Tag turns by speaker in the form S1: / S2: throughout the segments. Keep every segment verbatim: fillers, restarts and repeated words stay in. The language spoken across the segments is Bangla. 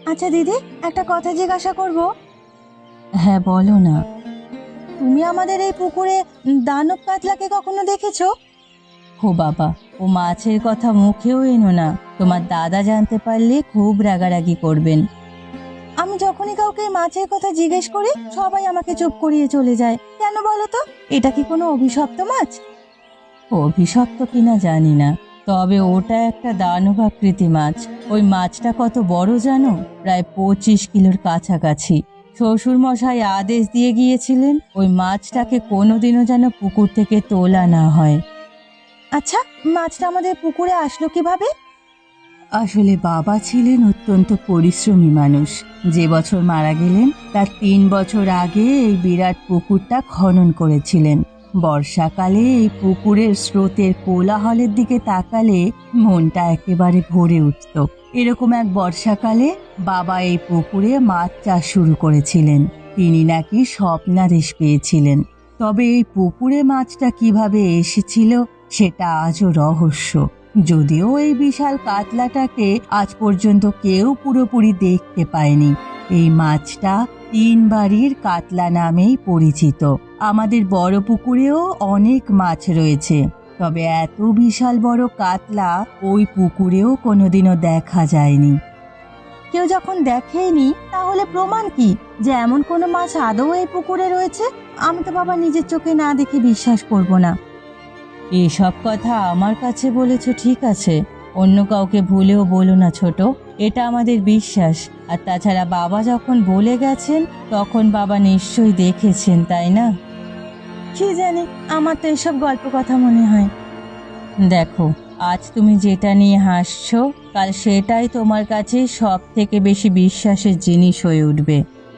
S1: আচ্ছা দিদি, একটা কথা জিজ্ঞাসা করব? হ্যাঁ বলো না। তুমি আমাদের এই পুকুরে দানব কাতলাকে কখনো দেখেছো? ও বাবা, ও মাছের কথা মুখেও এনো না, তোমার দাদা জানতে পারলে খুব রাগারাগি করবেন। আমি যখনই কাউকে মাছের কথা জিজ্ঞেস করি সবাই আমাকে চুপ করিয়ে চলে যায়, কেন বলো তো? এটা কি কোনো অভিশপ্ত মাছ? অভিশপ্ত কিনা জানি না, তবে ওটা একটা দানবাকৃতি মাছ। ওই মাছটা কত বড় জানো? প্রায় পঁচিশ কিলোর কাছাকাছি। শ্বশুর মশাই আদেশ দিয়ে গিয়েছিলেন ওই মাছটাকে কোনোদিনও যেন পুকুর থেকে তোলা না হয়। আচ্ছা, মাছটা আমাদের পুকুরে আসলো কিভাবে? আসলে বাবা ছিলেন অত্যন্ত পরিশ্রমী মানুষ। যে বছর মারা গেলেন তার তিন বছর আগে এই বিরাট পুকুরটা খনন করেছিলেন। বর্ষাকালে এই পুকুরের স্রোতের কোলাহলের দিকে তাকালে মনটা একেবারে ভরে উঠত। এরকম এক বর্ষাকালে বাবা এই পুকুরে মাছ চাষ শুরু করেছিলেন। তিনি নাকি স্বপ্নাদেশ পেয়েছিলেন। তবে এই পুকুরে মাছটা কিভাবে এসেছিল সেটা আজও রহস্য। যদিও এই বিশাল কাতলাটাকে আজ পর্যন্ত কেউ পুরোপুরি দেখতে পায়নি। এই মাছটা তিন বাড়ির কাতলা নামেই পরিচিত। আমাদের বড় পুকুরেও অনেক মাছ রয়েছে, তবে এত বিশাল বড় কাতলা ওই পুকুরেও কোনোদিনও দেখা যায়নি। কেউ যখন দেখেনি তাহলে প্রমাণ কি যে এমন কোনো মাছ আদৌ এই পুকুরে রয়েছে? আমি তো বাবা নিজের চোখে না দেখে বিশ্বাস করব না। এসব কথা আমার কাছে বলেছ ঠিক আছে, অন্য কাউকে ভুলেও বলো না ছোট, এটা আমাদের বিশ্বাস। আর তাছাড়া বাবা যখন বলে গেছেন তখন বাবা নিশ্চয়ই দেখেছেন, তাই না? কি জানি, আমার তো এসব গল্প কথা মনে হয়। দেখো, আজ তুমি যেটা নিয়ে হাসছো কাল সেটাই তোমার কাছে সব থেকে বেশি বিশ্বাসের জিনিস হয়ে উঠবে।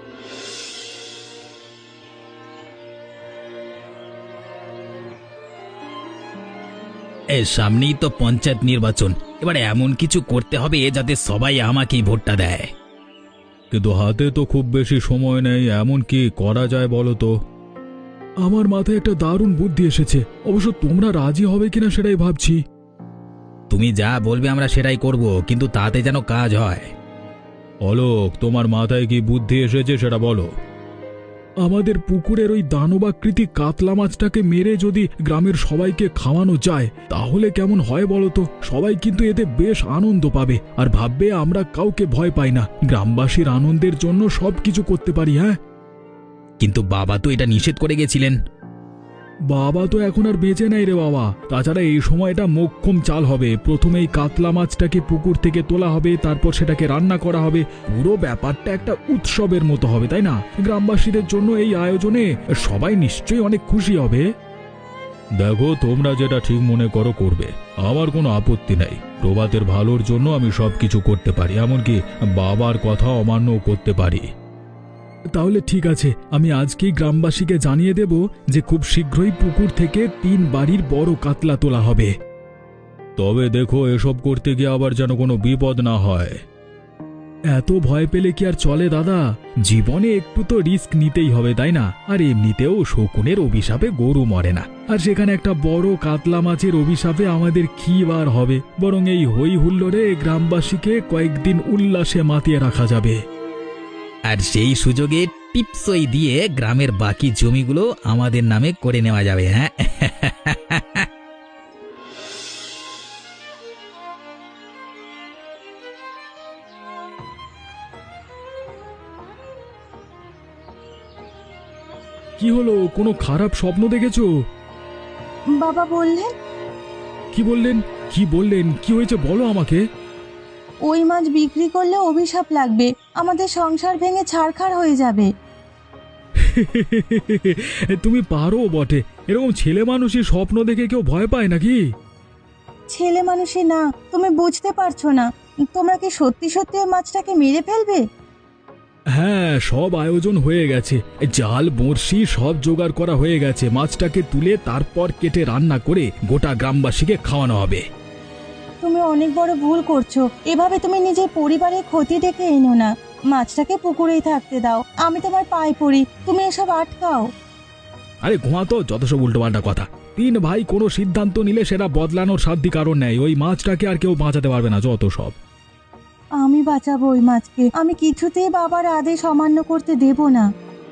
S2: এ সামনেই তো পঞ্চায়েত নির্বাচন, এবারে এমন কিছু করতে হবে যাতে সবাই আমাকেই ভোটটা দেয়।
S3: কিন্তু হাতে তো খুব বেশি সময় নেই, এমন কি করা যায় বলো তো? আমার মাথায় একটা দারুণ বুদ্ধি এসেছে, অবশ্য তোমরা রাজি হবে কিনা সেটাই ভাবছি।
S2: তুমি যা বলবে আমরা সেটাই করব, কিন্তু তাতে যেন কাজ হয়।
S3: অলোক, তোমার মাথায় কি বুদ্ধি এসেছে সেটা বলো। আমাদের পুকুরের ওই দানবাকৃতি কাতলা মাছটাকে মেরে যদি গ্রামের সবাইকে খাওয়ানো যায় তাহলে কেমন হয় বলো তো? সবাই কিন্তু এতে বেশ আনন্দ পাবে আর ভাববে আমরা কাউকে ভয় পাই না, গ্রামবাসীর আনন্দের জন্য সবকিছু করতে পারি। হ্যাঁ,
S2: কিন্তু বাবা তো এটা নিষেধ করে গেছিলেন।
S3: বাবা তো এখন আর বেঁচে নাই রে বাবা। তাছাড়া এই সময়টা মোক্ষম চাল হবে। প্রথমে এই কাতলা মাছটাকে পুকুর থেকে তোলা হবে, তারপর সেটাকে রান্না করা হবে। পুরো ব্যাপারটা একটা উৎসবের মতো হবে, তাই না? গ্রামবাসীদের জন্য এই আয়োজনে সবাই নিশ্চয়ই অনেক খুশি হবে। দেখো, তোমরা যেটা ঠিক মনে করো করবে, আমার কোনো আপত্তি নাই। প্রভাতের ভালোর জন্য আমি সবকিছু করতে পারি, এমনকি বাবার কথা অমান্য করতে পারি। তাহলে ঠিক আছে, আমি আজকেই গ্রামবাসীকে জানিয়ে দেব যে খুব শীঘ্রই পুকুর থেকে তিন বাড়ির বড় কাতলা তোলা হবে। তবে দেখো, এসব করতে গিয়ে আবার যেন কোনো বিপদ না হয়। এত ভয় পেলে কি আর চলে দাদা? জীবনে একটু তো রিস্ক নিতেই হবে, তাই না? আর এমনিতেও শকুনের অভিশাপে গরু মরে না, আর সেখানে একটা বড় কাতলা মাছের অভিশাপে আমাদের কি বার হবে? বরং এই হই হুল্লোড়ে গ্রামবাসীকে কয়েকদিন উল্লাসে মাতিয়ে রাখা যাবে।
S2: আর সেই সুযোগে টিপসই দিয়ে গ্রামের বাকি জমিগুলো আমাদের নামে করে নেওয়া যাবে। হ্যাঁ,
S3: কি হলো? কোনো খারাপ স্বপ্ন দেখেছো?
S1: বাবা বললেন।
S3: কি বললেন? কি বললেন? কি হয়েছে বলো আমাকে।
S1: ওই মাছ বিক্রি করলে অভিশাপ লাগবে, আমাদের সংসার ভেঙে ছারখার হয়ে যাবে।
S3: তুমি পারো বটে। এরকম ছেলে মানুষই স্বপ্ন দেখে কেউ ভয় পায় নাকি?
S1: ছেলে মানুষই না, তুমি বুঝতে পারছো না। তোমরা কি সত্যি সত্যি ওই মাছটাকে মেরে ফেলবে?
S3: হ্যাঁ, সব আয়োজন হয়ে গেছে। জাল, বড়শি সব জোগাড় করা হয়ে গেছে। মাছটাকে তুলে তারপর কেটে রান্না করে গোটা গ্রামবাসীকে খাওয়ানো হবে।
S1: তুমি অনেক বড় ভুল করছো। এভাবে তুমি নিজের পরিবারের ক্ষতি ডেকে এনো না। মাছটাকে পুকুরেই থাকতে দাও, আমি তোমার পায়ে পড়ি, তুমি এসব আটকাও।
S3: আরে ঘুমাতো, যত সব উল্টোপাল্টা কথা। তিন ভাই কোনো সিদ্ধান্ত নিলে সেটা বদলানোর সাধ্য কারণ নেই। ওই মাছটাকে আর কেউ বাঁচাতে পারবে না, যত সব।
S1: আমি বাঁচাবো ওই মাছকে। আমি কিছুতেই বাবার আদেশ অমান্য করতে দেব না।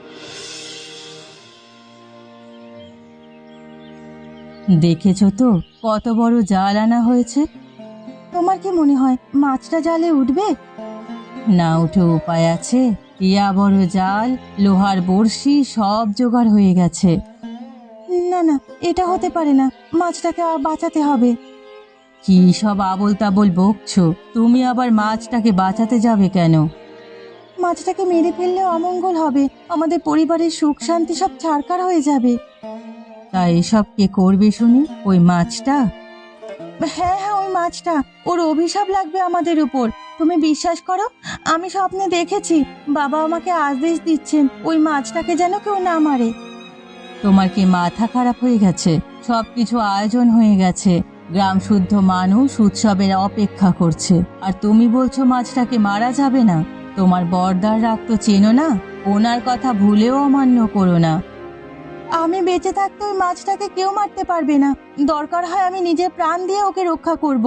S1: দেখেছো তো কত বড় জাল আনা হয়েছে। তোমার কি মনে হয় মাছটা জালে উঠবে? না উঠে উপায় আছে? ইয়া বড় জাল, লোহার বড়শি সব জোগাড় হয়ে গেছে। না না, এটা হতে পারে না, মাছটাকে আবার বাঁচাতে হবে। কি সব আবোল তাবোল বকছো? তুমি আবার মাছটাকে বাঁচাতে যাবে কেন? মাছটাকে মেরে ফেললে অমঙ্গল হবে, আমাদের পরিবারের সুখ শান্তি সব ছারখার হয়ে যাবে। তাই এসব কে করবে শুনি? ওই মাছটা? হ্যাঁ হ্যাঁ, ওই মাছটা। ওর অভিশাপ লাগবে আমাদের উপর। তুমি বিশ্বাস করো, আমি স্বপ্নে দেখেছি বাবা আমাকে আদেশ দিচ্ছেন ওই মাছটাকে যেন কেউ না মারে। তোমার কি মাথা খারাপ হয়ে গেছে? সবকিছু আয়োজন হয়ে গেছে, গ্রাম শুদ্ধ মানুষ উৎসবের অপেক্ষা করছে, আর তুমি বলছো মাছটাকে মারা যাবে না? তোমার বর্দার রাগ তো চেনো না, ওনার কথা ভুলেও অমান্য করো না। আমি বেঁচে থাকতে ওই মাছটাকে কেউ মারতে পারবে না, দরকার হয় আমি নিজের প্রাণ দিয়ে ওকে রক্ষা করব।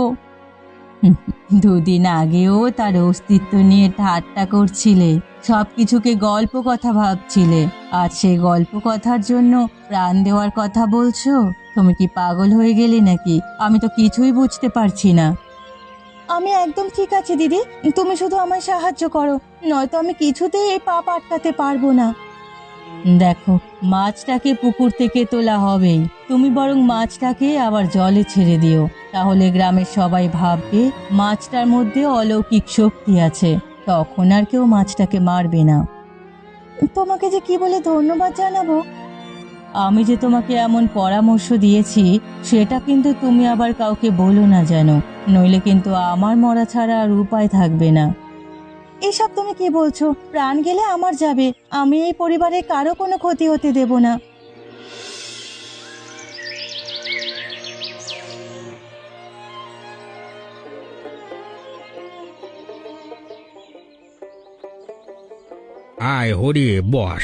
S1: দুদিন আগেও তার অস্তিত্ব নিয়ে ঠাট্টা করছিলে, সবকিছুকে গল্প কথা ভাবছিলে, আর সেই গল্প কথার জন্য প্রাণ দেওয়ার কথা বলছো? তুমি কি পাগল হয়ে গেলে নাকি? আমি তো কিছুই বুঝতে পারছি না। আমি একদম ঠিক আছে দিদি, তুমি শুধু আমায় সাহায্য করো, নয়তো আমি কিছুতেই এই পাপ আটকাতে পারবো না। দেখো, মাছটাকে পুকুর থেকে তোলা হবেই, তুমি বরং মাছটাকে আবার জলে ছেড়ে দিও, তাহলে গ্রামের সবাই ভাববে মাছটার মধ্যে অলৌকিক শক্তি আছে, তখন আর কেউ মাছটাকে মারবে না। তোমাকে যে কি বলে ধন্যবাদ জানাবো। আমি যে তোমাকে এমন পরামর্শ দিয়েছি সেটা কিন্তু তুমি আবার কাউকে বলো না যেন, নইলে কিন্তু আমার মরা ছাড়া আর উপায় থাকবে না। এসব তুমি কি বলছো? প্রাণ গেলে আমার যাবে, আমি এই পরিবারের কারো কোনো ক্ষতি হতে দেব না।
S2: আয় হরি, বস।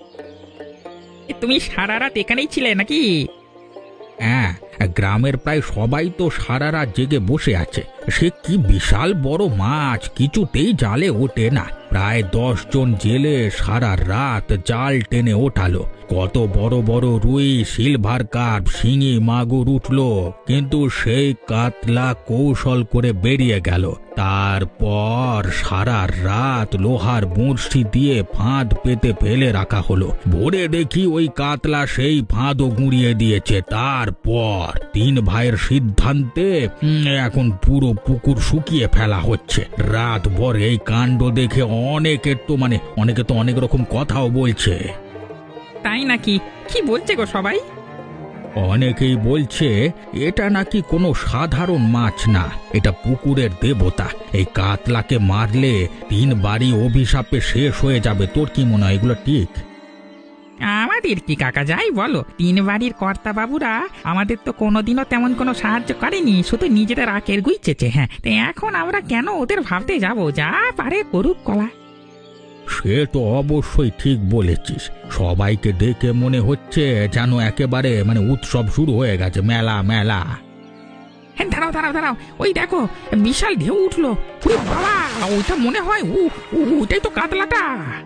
S4: এ, তুমি সারা রাত এখানেই ছিলে নাকি?
S2: হ্যাঁ, গ্রামের প্রায় সবাই তো সারা রাত জেগে বসে আছে। সে কি বিশাল বড় মাছ, কিছুতেই জালে ওঠে না। প্রায় দশ জন জেলে সারা রাত জাল টেনে ওঠালো। কত বড় বড় রুই, সিলভার কার্প, শিঙি, মাগুর উঠলো, কিন্তু সেই কাতলা কৌশল করে বেরিয়ে গেল। তারপর সারা রাত লোহার বড়শি দিয়ে ফাঁদ পেতে ফেলে রাখা হলো। ভোরে দেখি ওই কাতলা সেই ফাঁদও গুঁড়িয়ে দিয়েছে। তারপর তিন ভাইয়ের সিদ্ধান্তে উম, এখন পুরো পুকুর শুকিয়ে ফেলা হচ্ছে। রাত ভর এই কাণ্ড দেখে অনেকের তো মানে অনেকে তো অনেক রকম কথাও বলছে।
S4: তাই নাকি? কি বলছে গো সবাই?
S2: অনেকেই বলছে এটা নাকি কোনো সাধারণ মাছ না, এটা পুকুরের দেবতা। এই কাতলাকে মারলে তিন বাড়ি অভিশাপে শেষ হয়ে যাবে। তোর কি মনে হয়, এগুলো ঠিক?
S4: আমাদের কি কাকা, যাই বলো, তিন বাড়ির কর্তা বাবুরা আমাদের তো কোনোদিনও তেমন কোনো সাহায্য করেনি, শুধু নিজেদের আখের গুইচেছে। হ্যাঁ, তো এখন আমরা কেন ওদের ভাবতে যাব? যা পারে করুক কলা।
S2: সে তো অবশ্যই ঠিক বলেছিস। সবাইকে দেখে মনে হচ্ছে যেন একেবারে মানে উৎসব শুরু হয়ে গেছে, মেলা মেলা।
S4: হ্যাঁ, দাঁড়াও দাঁড়াও দাঁড়াও, ওই দেখো বিশাল ঢেউ উঠলো। ওরে বাবা, ওইটা মনে হয় ও ও- ওইটাই তো কাতলাটা।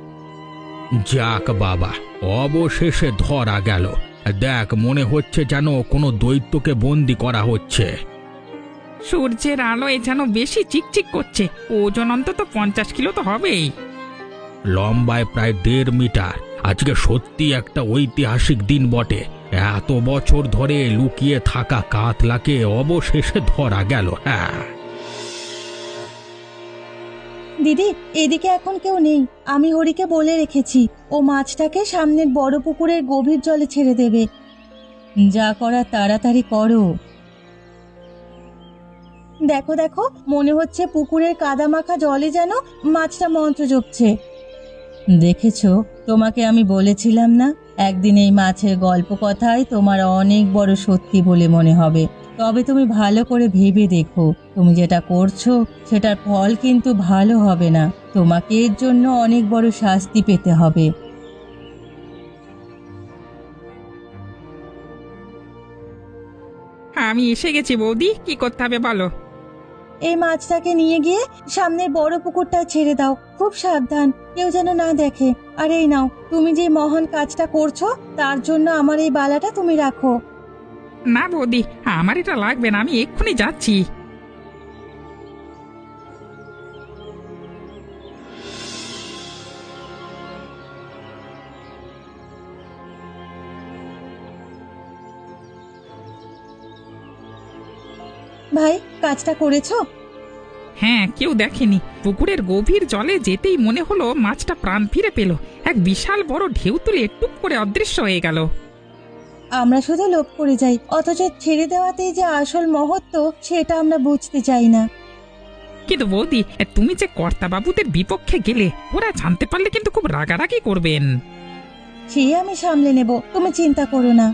S2: যাক বাবা, অবশেষে ধরা গেল। দেখ, মনে হচ্ছে যেন কোনো দৈত্যকে বন্দি করা হচ্ছে।
S4: সূর্যের আলোয় যেন বেশি চিকচিক করছে, ওজন অন্তত পঞ্চাশ কিলো তো হবেই।
S2: লম্বায় প্রায় দেড় মিটার। আজকে সত্যি একটা ঐতিহাসিক দিন বটে। এত বছর ধরে লুকিয়ে থাকা কাতলাকে অবশেষে ধরা গেল। হ্যাঁ,
S1: দিদি, এদিকে এখন কেউ নেই, আমি হরিকে বলে রেখেছি ও মাছটাকে সামনের বড় পুকুরের গভীর জলে ছেড়ে দেবে। যা করার তাড়াতাড়ি করো। দেখো দেখো, মনে হচ্ছে পুকুরের কাদামাখা জলে যেন মাছটা মন্ত্র জপছে। দেখেছো, তোমাকে আমি বলেছিলাম না, একদিন এই মাছের গল্প কথাই তোমার অনেক বড় সত্যি বলে মনে হবে। তবে তুমি ভালো করে ভেবে দেখো, তুমি যেটা করছো সেটার ফল কিন্তু ভালো হবে না, তোমাকে এর জন্য অনেক বড় শাস্তি পেতে হবে।
S4: আমি এসে গেছি বৌদি, কি করতে হবে বলো?
S1: এই মাছটাকে নিয়ে গিয়ে সামনের বড় পুকুরটা ছেড়ে দাও। খুব সাবধান, কেউ যেন না দেখে। আর এই নাও, তুমি যে মহান কাজটা করছো তার জন্য আমার এই বালাটা তুমি রাখো।
S4: না বৌদি, আমার এটা লাগবে না, আমি এক্ষুনি যাচ্ছি।
S1: ভাই, কাজটা করেছো?
S4: হ্যাঁ, কেউ দেখেনি। পুকুরের গভীর জলে যেতেই মনে হলো মাছটা প্রাণ ফিরে পেল। এক বিশাল বড় ঢেউ তুলে টুপ করে অদৃশ্য হয়ে গেল।
S1: আমরা শুধু লোভ করে যাই, অথচ ছেড়ে দেওয়াতেই যে আসল মহত্ব সেটা আমরা বুঝতে চাই না।
S4: কিন্তু বৌদি, তুমি যে কর্তাবাবুদের বিপক্ষে গেলে, ওরা জানতে পারলে কিন্তু খুব রাগারাগি করবেন।
S1: সে আমি সামলে নেব, তুমি চিন্তা করো না।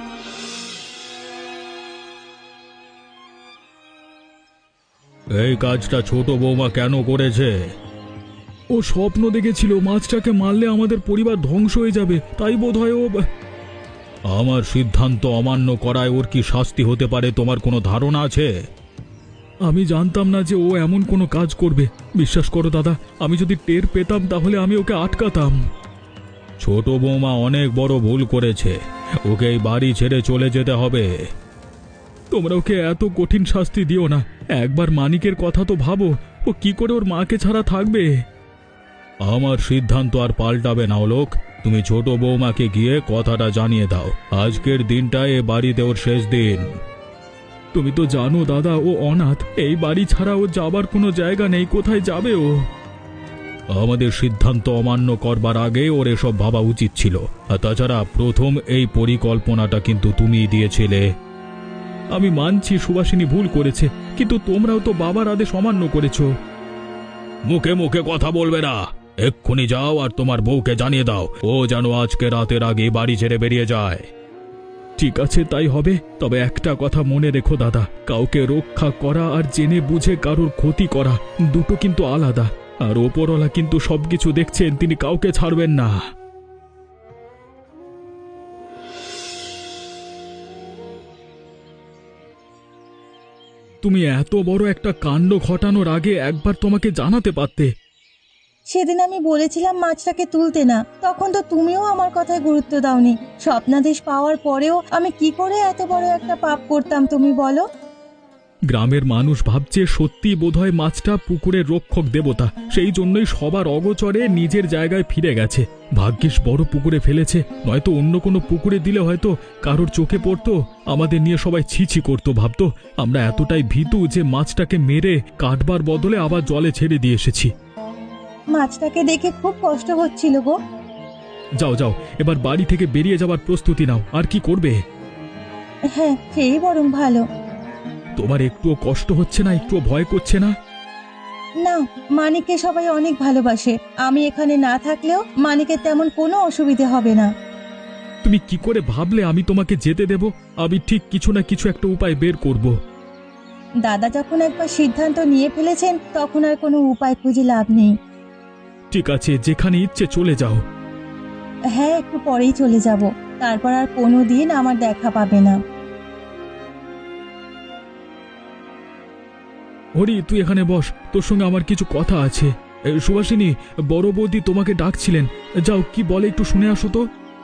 S2: এই কাজটা ছোট বৌমা কেন করেছে?
S3: ও স্বপ্ন দেখেছিল মাছটাকে মারলে আমাদের পরিবার ধ্বংস হয়ে যাবে, তাই বোধহয় ও।
S2: আমার সিদ্ধান্ত অমান্য করায় ওর কি শাস্তি হতে পারে তোমার কোনো ধারণা আছে?
S3: আমি জানতাম না যে ও এমন কোনো কাজ করবে। বিশ্বাস করো দাদা, আমি যদি টের পেতাম তাহলে আমি ওকে আটকাতাম।
S2: ছোট বৌমা অনেক বড় ভুল করেছে, ওকে এই বাড়ি ছেড়ে চলে যেতে হবে।
S3: তোমরা ওকে এত কঠিন শাস্তি দিও না। একবার মানিকের কথা তো ভাবো, ও কি করে ওর মাকে ছাড়া থাকবে।
S2: আমার সিদ্ধান্ত আর পাল্টাবে না লোক। তুমি ছোট বৌমাকে গিয়ে কথাটা জানিয়ে দাও। আজকের দিনটা এ বাড়িতে ওর শেষ দিন।
S3: তুমি তো জানো দাদা, ও অনাথ। এই বাড়ি ছাড়া ও যাবার কোনো জায়গা নেই, কোথায় যাবে ও?
S2: আমাদের সিদ্ধান্ত অমান্য করবার আগে ওর এসব ভাবা উচিত ছিল। আর তাছাড়া প্রথম এই পরিকল্পনাটা কিন্তু তুমিই দিয়েছিলে।
S3: আমি মানছি সুভাষিনী ভুল করেছে, কিন্তু তোমরাও তো বাবার আদেশ অমান্য করেছো।
S2: মুখে মুখে কথা বলবে না। এক্ষুনি যাও আর তোমার বউকে জানিয়ে দাও ও যেন আজকে রাতের আগে বাড়ি ছেড়ে বেরিয়ে যায়।
S3: ঠিক আছে, তাই হবে। তবে একটা কথা মনে রেখো দাদা, কাউকে রক্ষা করা আর জেনে বুঝে কারোর ক্ষতি করা দুটো কিন্তু আলাদা। আর ওপরওয়ালা কিন্তু সবকিছু দেখছেন, তিনি কাউকে ছাড়বেন না। তুমি এত বড় একটা কাণ্ড ঘটানোর আগে একবার তোমাকে জানাতে পারতে।
S1: সেদিন আমি বলেছিলাম মাছটাকে তুলতে না, তখন তো তুমিও আমার কথায় গুরুত্ব দাওনি। স্বপ্নাদেশ পাওয়ার পরেও আমি কি করে এত বড় একটা পাপ করতাম তুমি বলো?
S3: গ্রামের মানুষ ভাবছে সত্যি বোধহয় মাছটা পুকুরের রক্ষক দেবতা, সেই জন্যই সবার অগোচরে নিজের জায়গায় ফিরে গেছে। ভাগ্যিস বড় পুকুরে ফেলেছে, নয়তো অন্য কোনো পুকুরে দিলে হয়তো কারোর চোখে পড়তো, আমাদের নিয়ে সবাই ছিছি করতো, ভাবতো আমরা এতটাই ভীতু যে মাছটাকে মেরে কাটবার বদলে আবার জলে ছেড়ে দিয়ে এসেছি।
S1: মাছটাকে দেখে খুব কষ্ট হচ্ছিল গো।
S3: যাও যাও, এবার বাড়ি থেকে বেরিয়ে যাবার প্রস্তুতি নাও। আর কি করবে?
S1: হ্যাঁ, সেই বরং ভালো।
S3: তোমার একটুও কষ্ট হচ্ছে না? একটুও ভয় করছে না?
S1: না, মানিককে সবাই অনেক ভালোবাসে। আমি এখানে না থাকলেও মানিকের তেমন কোনো অসুবিধে হবে না।
S3: তুমি কি করে ভাবলে আমি তোমাকে যেতে দেব? আমি ঠিক কিছু না কিছু একটা উপায় বের করব।
S1: দাদা যখন একবার সিদ্ধান্ত নিয়ে ফেলেছেন তখন আর কোনো উপায় খুঁজে লাভ নেই।
S3: ঠিক আছে, যেখানে ইচ্ছে চলে যাও।
S1: হ্যাঁ, একটু পরেই চলে যাব, তারপর আর কোনো দিন আমার দেখা পাবে না।
S3: হরি, তুই এখানে বস, তোর সঙ্গে আমার কিছু কথা আছে। এ, সুভাষিনী, বড় বৌদি তোমাকে ডাকছিলেন। যাও, কি বলে একটু শুনে আসো তো।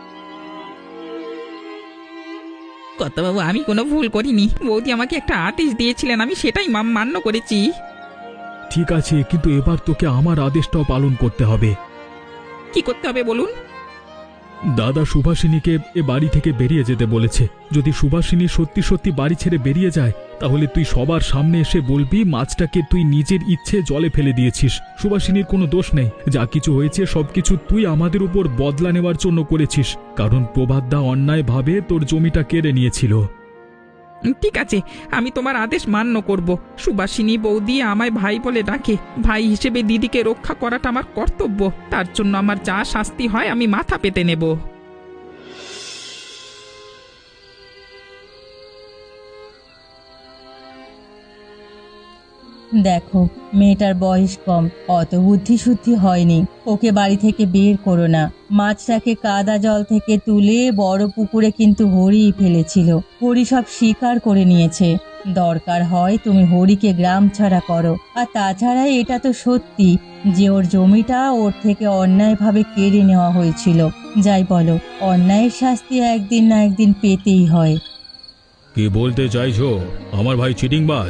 S4: কর্তাবাবু, আমি কোনো ভুল করিনি। বৌদি আমাকে একটা আদেশ দিয়েছিলেন, আমি সেটাই মা- মান্য করেছি।
S3: ঠিক আছে, কিন্তু এবার তোকে আমার আদেশটাও পালন করতে হবে।
S4: কি করতে হবে বলুন?
S3: দাদা সুভাষিনীকে এ বাড়ি থেকে বেরিয়ে যেতে বলেছে। যদি সুভাষিনী সত্যি সত্যি বাড়ি ছেড়ে বেরিয়ে যায়, তাহলে তুই সবার সামনে এসে বলবি মাছটাকে তুই নিজের ইচ্ছে জলে ফেলে দিয়েছিস। সুভাষিনীর কোনো দোষ নেই, যা কিছু হয়েছে সবকিছু তুই আমাদের উপর বদলা নেওয়ার জন্য করেছিস, কারণ প্রভাতদা অন্যায়ভাবে তোর জমিটা কেড়ে নিয়েছিল।
S4: ঠিক আছে, আমি তোমার আদেশ মান্য করব। সুবাসিনী বৌদি আমায় ভাই বলে ডাকে। ভাই হিসেবে দিদিকে রক্ষা করাটা আমার কর্তব্য। তার জন্য আমার যা শাস্তি হয় আমি মাথা পেতে নেব।
S1: দেখো, মেয়েটার বয়স কম, অত বুদ্ধি শুদ্ধি হয়নি। ওকে বাড়ি থেকে বের করো না। মাছটাকে কাদা জল থেকে তুলে বড় পুকুরে কিন্তু হরিই ফেলেছিল। হরি সব স্বীকার করে নিয়েছে। দরকার হয় তুমি হরিকে গ্রাম ছাড়া করো। আর তাছাড়া এটা তো সত্যি যে ওর জমিটা ওর থেকে অন্যায়ভাবে কেড়ে নেওয়া হয়েছিল। যাই বলো, অন্যায়ের শাস্তি একদিন না একদিন পেতেই হয়।
S3: কি বলতে চাইছো? আমার ভাই চিটিংবাজ?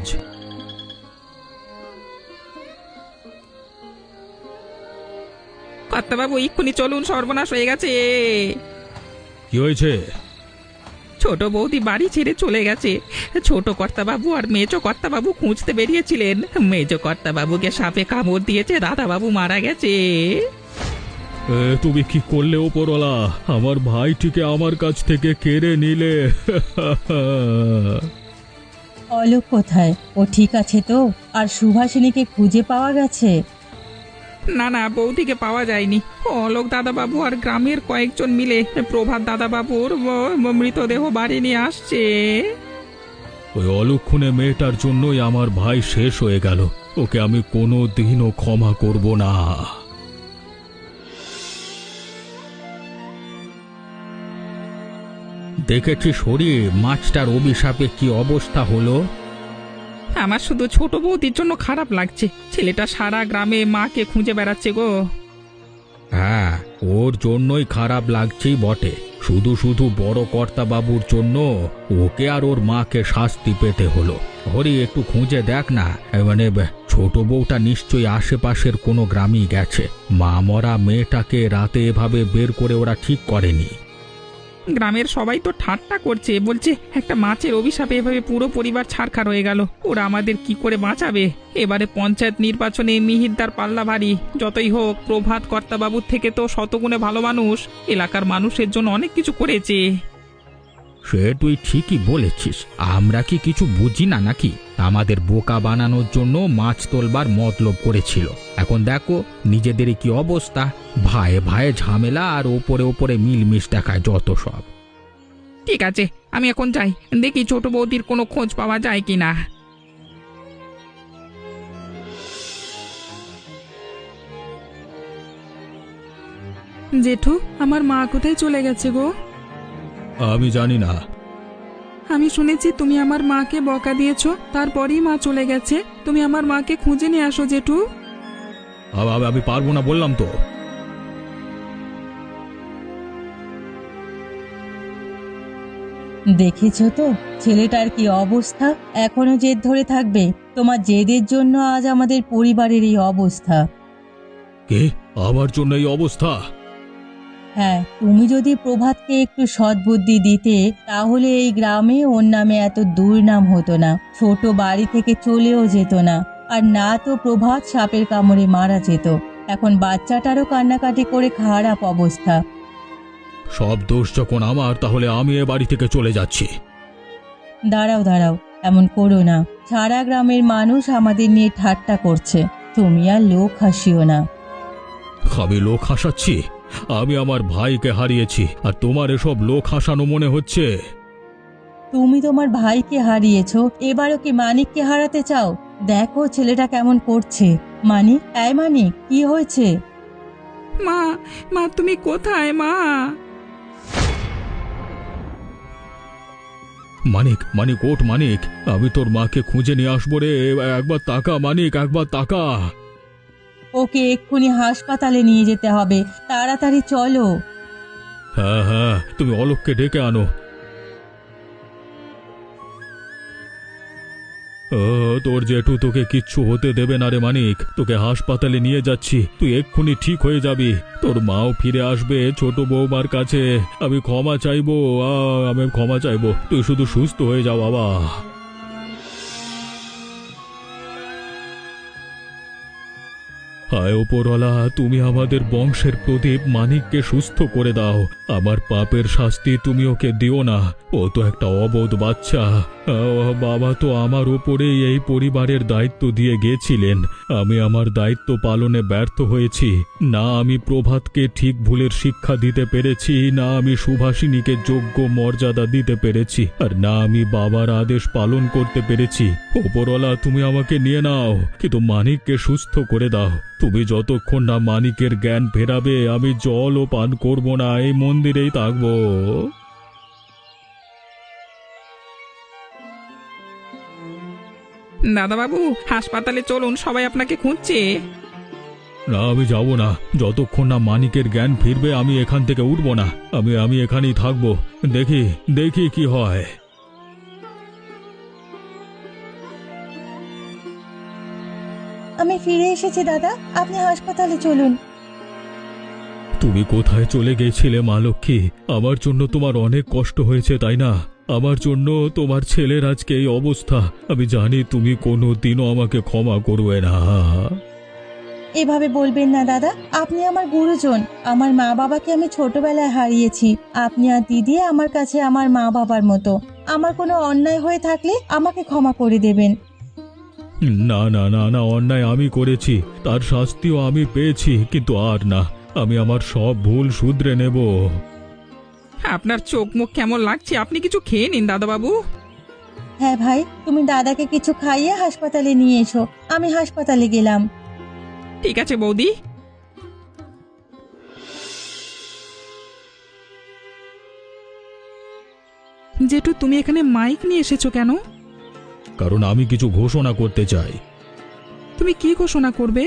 S4: কর্তাবাবু এক্ষুনি চলুন, সর্বনাশ হয়ে গেছে।
S3: কি হয়েছে?
S4: ছোট বৌদি বাড়ি ছেড়ে চলে গেছে। ছোট কর্তাবাবু আর মেজো কর্তাবাবু খুঁজতে বেরিয়েছিলেন। মেজো কর্তাবাবুকে সাপে কামড় দিয়েছে, দাদাবাবু মারা গেছে।
S3: এ, তুমি কি করলে ওপরওয়ালা? আমার ভাইটিকে আমার কাছ থেকে কেড়ে নিলে।
S1: অলোক কোথায়? ও ঠিক আছে তো? আর সুভাষিনীকে খুঁজে পাওয়া গেছে?
S4: না না, বৌদিকে পাওয়া যায়নি। অলোক দাদাবাবু আর গ্রামের কয়েকজন মিলে প্রভাত দাদাবাবুর ম- ম- মৃতদেহ বাড়ি নিয়ে আসছে।
S3: ওই অলক্ষণে মেয়েটার জন্যই আমার ভাই শেষ হয়ে গেল। ওকে আমি কোনো দিনও ক্ষমা করব না।
S2: দেখেছি শরীর মাছটার অভিশাপে কি অবস্থা হলো।
S4: আমার শুধু ছোট বৌদির জন্য খারাপ লাগছে। ছেলেটা সারা গ্রামে মাকে খুঁজে বেড়াচ্ছে গো।
S2: হ্যাঁ, ওর জন্যই খারাপ লাগছেই বটে। শুধু শুধু বড় কর্তা বাবুর জন্য ওকে আর ওর মাকে শাস্তি পেতে হলো। হরি, একটু খুঁজে দেখ না, এ মানে ব- ছোট বউটা নিশ্চয়ই আশেপাশের কোনো গ্রামই গেছে। মা মরা মেয়েটাকে রাতে এভাবে বের করে ওরা ঠিক করেনি।
S4: গ্রামের সবাই তো ঠাট্টা করছে, বলছে একটা মাছের অভিশাপে এভাবে পুরো পরিবার ছারখার হয়ে গেল। ওরা আমাদের কি করে বাঁচাবে? এবারে পঞ্চায়েত নির্বাচনে মিহিরদার পাল্লা ভারী। যতই হোক প্রভাত কর্তাবাবুর থেকে তো শতগুণে ভালো মানুষ, এলাকার মানুষের জন্য অনেক কিছু করেছে।
S2: সে তুই ঠিকই বলেছিস, আমরা কি কিছু বুঝি না নাকি? আমাদের বোকা বানানোর জন্য মাছ তোলবার মতলব করেছিল। এখন দেখো নিজেদেরই কি অবস্থা। ভাইয়ে ভাইয়ে ঝামেলা আর ওপরে ওপরে মিলমিশ দেখায় যত সব।
S4: ঠিক আছে, আমি এখন যাই, দেখি ছোট বৌদির কোনো খোঁজ পাওয়া যায় কিনা। জেঠু, আমার মা কোথায় চলে গেছে গো?
S3: আমি জানি না।
S4: আমি শুনেছি তুমি আমার মাকে বকা দিয়েছো, তারপরেই মা চলে গেছে। তুমি আমার মাকে খুঁজে নিয়ে আসো জেঠু।
S3: আ- আ- আমি পারবো না বললাম তো।
S1: দেখেছো তো ছেলেটার কি অবস্থা? এখনো জেদ ধরে থাকবে? তোমার জেদের জন্য আজ আমাদের পরিবারের এই অবস্থা।
S3: কে? আমার জন্য এই অবস্থা?
S1: হ্যাঁ, তুমি যদি প্রভাতকে একটু সদ্বুদ্ধি দিতে তাহলে এই গ্রামে ওর নামে এত দুর্নাম হতো না। ছোট বাড়ি থেকে চলেও যেত না। আর না তো প্রভাত সাপের কামড়ে মারা যেত। এখন বাচ্চাটারও কান্নাকাটি করে খারাপ অবস্থা।
S3: সব দোষ যখন আমার, তাহলে আমি এ বাড়ি থেকে চলে যাচ্ছি।
S1: দাঁড়াও দাঁড়াও, এমন করো না। সারা গ্রামের মানুষ আমাদের নিয়ে ঠাট্টা করছে, তুমি আর লোক হাসিও না।
S3: আমি লোক হাসাচ্ছি? আমি আমার ভাইকে হারিয়েছি, আর তোমার এসব লোক হাসানো মনে হচ্ছে?
S1: তুমি তোমার ভাইকে হারিয়েছো, এবারও কি মানিককে হারাতে চাও? দেখো ছেলেটা কেমন করছে। মানিক, এই মানিক, কি হয়েছে?
S4: মা, মা তুমি কোথায় মা?
S3: মানিক, মানিক ওঠ মানিক, আমি তোর মাকে খুঁজে নিয়ে আসবো রে। একবার তাকা মানিক, একবার তাকা।
S1: ওকে এক্ষুনি হাসপাতালে নিয়ে যেতে হবে, তাড়াতাড়ি চলো।
S3: হ্যাঁ হ্যাঁ, তুমি অলোককে ডেকে আনো। ও, তোর জেঠু তোকে কিচ্ছু হতে দেবে না রে মানিক। তোকে হাসপাতালে নিয়ে যাচ্ছি, তুই এক্ষুনি ঠিক হয়ে যাবি। তোর মাও ফিরে আসবে ছোট বৌমার কাছে। আমি ক্ষমা চাইবো, আ, আমি ক্ষমা চাইবো। তুই শুধু সুস্থ হয়ে যা বাবা। হায় ওপরওয়ালা, তুমি আমাদের বংশের প্রদীপ মানিককে সুস্থ করে দাও। আমার পাপের শাস্তি তুমি ওকে দিও না। ও তো একটা অবোধ বাচ্চা। আহ, বাবা তো আমার উপরেই এই পরিবারের দায়িত্ব দিয়ে গেছিলেন। আমি আমার দায়িত্ব পালনে ব্যর্থ হয়েছি। না আমি প্রভাতকে ঠিক ভুলের শিক্ষা দিতে পেরেছি, না আমি সুভাষিনীকে যোগ্য মর্যাদা দিতে পেরেছি, আর না আমি বাবার আদেশ পালন করতে পেরেছি। ওপরওয়ালা, তুমি আমাকে নিয়ে নাও, কিন্তু মানিককে সুস্থ করে দাও। তুমি যতক্ষণ না মানিকের জ্ঞান ফেরাবে আমি জলও পান করব না, এই মন্দিরেই থাকবো।
S4: দাদাবাবু হাসপাতালে চলুন, সবাই আপনাকে খুঁজছে।
S3: না, আমি যাব না। যতক্ষণ না মানিকের জ্ঞান ফিরবে আমি এখান থেকে উঠব না। আমি আমি এখানেই থাকবো। দেখি দেখি কি হয়।
S1: আমি ফিরে এসেছি দাদা, আপনি হাসপাতালে চলুন।
S3: তুমি কোথায় চলে গেছিলে মা লক্ষ্মী? আমার জন্য তোমার অনেক কষ্ট হয়েছে, তাই না? আমার জন্য তোমার ছেলের আজকে এই অবস্থা। আমি জানি তুমি কোনো দিনও আমাকে ক্ষমা করবে না।
S1: এভাবে বলবেন না দাদা, আপনি আমার গুরুজন। আমার মা বাবাকে আমি ছোটবেলায় হারিয়েছি। আপনি আর দিদি আমার কাছে আমার মা বাবার মতো। আমার কোনো অন্যায় হয়ে থাকলে আমাকে ক্ষমা করে দেবেন।
S3: না না না না, অন্যায় আমি করেছি, তার শাস্তিও আমি পেয়েছি, কিন্তু আর না। আমি আমার সব ভুল শুধরে নেব।
S4: আপনার চোখ মুখ কেমন লাগছে? আপনি কিছু খেয়ে নিন দাদাবাবু।
S1: হ্যাঁ ভাই, তুমি দাদাকে কিছু খাইয়ে হাসপাতালে নিয়ে এসো। আমি হাসপাতালে গেলাম।
S4: ঠিক আছে বৌদি। জেঠু, তুমি এখানে মাইক নিয়ে এসেছো কেন?
S3: কারণ আমি কিছু ঘোষণা করতে চাই।
S4: তুমি কি ঘোষণা করবে?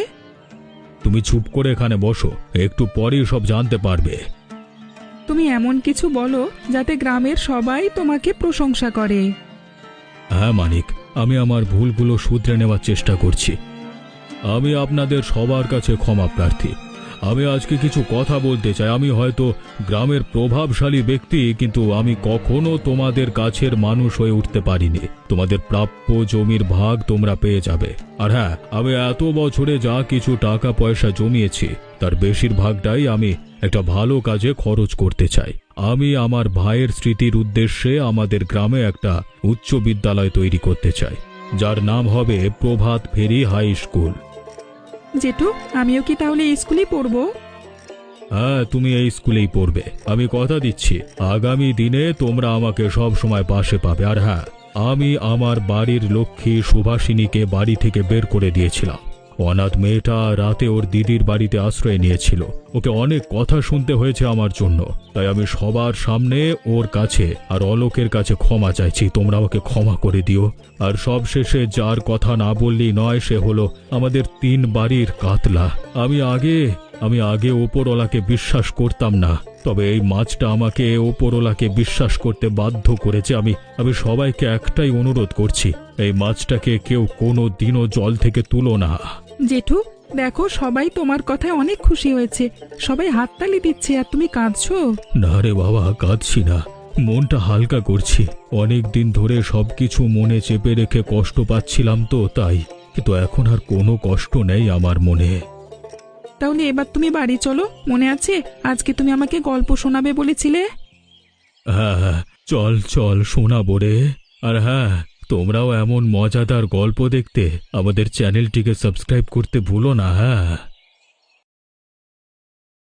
S3: তুমি চুপ করে এখানে বসো, একটু পরেই সব জানতে পারবে।
S4: তুমি এমন কিছু বলো যাতে গ্রামের সবাই তোমাকে প্রশংসা করে।
S3: হ্যাঁ মানিক, আমি আমার ভুলগুলো শুধরে নেওয়ার চেষ্টা করছি। আমি আপনাদের সবার কাছে ক্ষমা প্রার্থী। আমি আজকে কিছু কথা বলতে চাই। আমি হয়তো গ্রামের প্রভাবশালী ব্যক্তি, কিন্তু আমি কখনো তোমাদের কাছের মানুষ হয়ে উঠতে পারিনি। তোমাদের প্রাপ্য জমির ভাগ তোমরা পেয়ে যাবে। আর হ্যাঁ, আমি এত বছরে যা কিছু টাকা পয়সা জমিয়েছি তার বেশিরভাগটাই আমি একটা ভালো কাজে খরচ করতে চাই। আমি আমার ভাইয়ের স্মৃতির উদ্দেশ্যে আমাদের গ্রামে একটা উচ্চ বিদ্যালয় তৈরি করতে চাই, যার নাম হবে প্রভাত ফেরি হাই স্কুল।
S4: জেঠু, আমিও কি তাহলে এই স্কুলেই পড়বো?
S3: হ্যাঁ, তুমি এই স্কুলেই পড়বে। আমি কথা দিচ্ছি, আগামী দিনে তোমরা আমাকে সব সময় পাশে পাবে। আর হ্যাঁ, আমি আমার বাড়ির লক্ষ্মী সুভাষিনীকে বাড়ি থেকে বের করে দিয়েছিলাম। অনাথ মেয়েটা রাতে ওর দিদির বাড়িতে আশ্রয় নিয়েছিল। ওকে অনেক কথা শুনতে হয়েছে আমার জন্য, তাই আমি সবার সামনে ওর কাছে আর অলোকের কাছে ক্ষমা চাইছি। তোমরা ওকে ক্ষমা করে দিও। আর সবশেষে যার কথা না বললেই নয়, সে হলো আমাদের তিন বাড়ির কাতলা। আমি আগে আমি আগে ওপরওয়ালাকে বিশ্বাস করতাম না, তবে এই মাছটা আমাকে ওপরওয়ালাকে বিশ্বাস করতে বাধ্য করেছে। আমি আমি সবাইকে একটাই অনুরোধ করছি, এই মাছটাকে কেউ কোনো দিনও জল থেকে তুলো না।
S4: জেঠু, দেখো সবাই তোমার কথায় অনেক খুশি হয়েছে। সবাই হাততালি দিচ্ছে আর তুমি কাঁদছো।
S3: না রে বাবা, কাঁদছি না, মনটা হালকা করছি। অনেক দিন ধরে সবকিছু মনে চেপে রেখে কষ্ট পাচ্ছিলাম তো, তাই। কিন্তু এখন আর কোনো কষ্ট নেই আমার মনে।
S4: তাহলে এবার তুমি বাড়ি চলো। মনে আছে আজকে তুমি আমাকে গল্প শোনাবে বলেছিলে?
S3: হ্যাঁ হ্যাঁ, চল চল শোনাবো রে। আর হ্যাঁ, তোমরাও এমন মজাদার গল্প দেখতে আমাদের চ্যানেলটিকে সাবস্ক্রাইব করতে ভুলো না। হ্যাঁ।